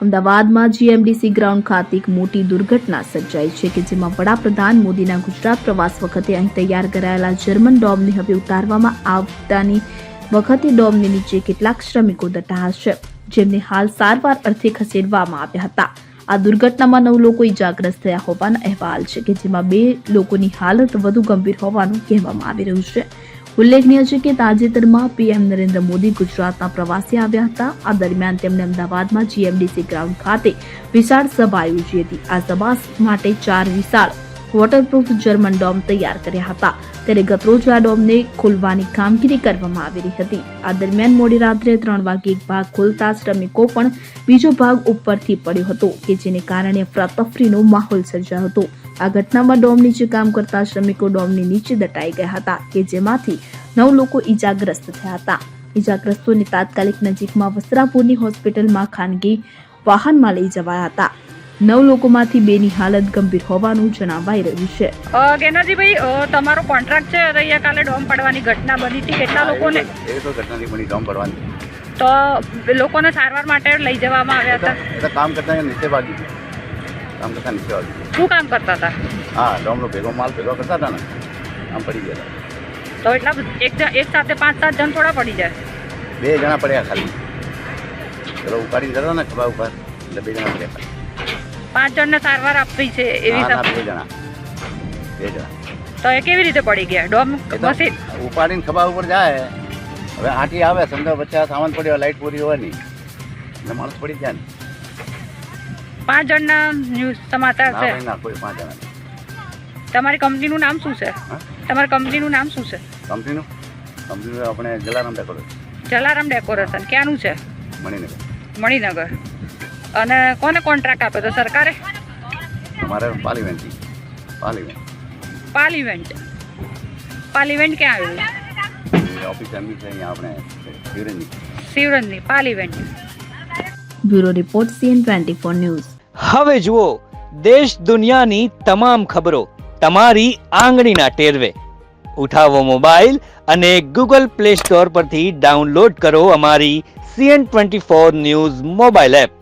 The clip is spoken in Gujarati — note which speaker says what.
Speaker 1: અમદાવાદમાં જીએમડીસી ગ્રાઉન્ડ ખાતે એક મોટી દુર્ઘટના સર્જાઈ છે કે જેમાં વડાપ્રધાન મોદીના ગુજરાત પ્રવાસ વખતે અહીં તૈયાર કરાયેલા જર્મન ડોમને હવે ઉતારવામાં આવતાની વખતે ડોમની નીચે કેટલાક શ્રમિકો દટાયા છે, જેમને હાલ સારવાર અર્થે ખસેડવામાં આવ્યા હતા. આ દુર્ઘટનામાં 9 લોકો ઇજાગ્રસ્ત થયા હોવાના અહેવાલ છે કે જેમાં 2 લોકોની હાલત વધુ ગંભીર હોવાનું કહેવામાં આવી રહ્યું છે. ઉલ્લેખનીય છે કે તાજેતરમાં પીએમ નરેન્દ્ર મોદી ગુજરાતના પ્રવાસે આવ્યા હતા. આ દરમિયાન તેમણે અમદાવાદમાં જીએમડીસી ગ્રાઉન્ડ ખાતે વિશાળ સભા યોજી હતી. આ સભા માટે 4 વિશાળ વોટરપ્રૂફ જર્મન ડોમ તૈયાર કર્યા હતા. ત્યારે ગતરોજ આ ડોમને ખોલવાની કામગીરી કરવામાં આવી હતી. આ દરમિયાન મોડી રાત્રે 3 વાગે એક ભાગ ખોલતા શ્રમિકો પણ બીજો ભાગ ઉપરથી પડ્યો હતો કે જેને કારણે અફરાતફરીનો માહોલ સર્જાયો હતો. આ ઘટનામાં ડોમ નીચે કામ કરતા શ્રમિકો ડોમની નીચે દટાઈ ગયા હતા કે જેમાંથી 9 લોકો ઇજાગ્રસ્ત થયા હતા. ઇજાગ્રસ્તોને તાત્કાલિક નજીકમાં વસ્ત્રાપુરની હોસ્પિટલમાં ખાનગી વાહનમાં લઈ જવાયા હતા. 9 લોકોમાંથી 2 ની હાલત ગંભીર હોવાનું જણાવાઈ રહ્યું છે.
Speaker 2: ગેનાજીભાઈ, તમારો કોન્ટ્રાક્ટ છે અહીંયા કાલે ડોમ પડવાની ઘટના બની હતી, કેટલા લોકોને?
Speaker 3: એ તો ઘટના નહીં બની, ડોમ પડવાની.
Speaker 2: તો લોકોને સારવાર માટે લઈ જવામાં આવ્યા હતા.
Speaker 3: એટલે કામ કરતા નીચે ભાગી ગયું. કામ કરતા નીચે ભાગી ગયું.
Speaker 2: શું કામ કરતા હતા?
Speaker 3: હા, ડોમનો ભેગો માલ ભેગો કરતા હતા ને, આમ પડી ગયા હતા.
Speaker 2: તો એટલા એક સાથે 5-7 જણ થોડા પડી જાય?
Speaker 3: 2 જણા પડ્યા ખાલી. પેલો ઉપાડીને જતા ને ખભા ઉપર, એટલે 2 જણા પડ્યા ખાલી.
Speaker 2: 5 જણને સારવાર આપવી છે એવી?
Speaker 3: 2 જણા.
Speaker 2: તો એ કેવી રીતે પડી ગયા? ડોમ મશીન
Speaker 3: ઉપાડીને ખભા ઉપર જાય, હવે આંટી આવે સમજો વચ્ચે સામાન પડ્યો, લાઈટ પૂરી હોવાની એટલે માણસ પડી જાય ને.
Speaker 2: 5 જણના ન્યૂઝ સમાચાર છે.
Speaker 3: ના, કોઈ 5 જણા નહીં.
Speaker 2: તમારી કંપનીનું નામ શું છે? તમારી કંપનીનું નામ શું છે?
Speaker 3: કંપનીનું આપણે જલારામ ડેકોરેશન.
Speaker 2: જલારામ ડેકોરેશન ક્યાંનું છે? મણિનગર. અને કોને કોન્ટ્રાક્ટ આપ્યો તો? સરકારે?
Speaker 3: અમારે પાર્લિમેન્ટ.
Speaker 2: પાર્લિમેન્ટ ક્યાં આવ્યું?
Speaker 3: ઓફિસ એમની છે અહીંયા આપણે
Speaker 2: Shivranjani parliament.
Speaker 1: Bureau report CN24 news.
Speaker 4: હવે જુઓ દેશ દુનિયાની તમામ ખબરો તમારી આંગળીના ટેરવે. ઉઠાવો મોબાઈલ અને Google Play Store પરથી ડાઉનલોડ કરો અમારી CN24 ન્યૂઝ મોબાઈલ એપ.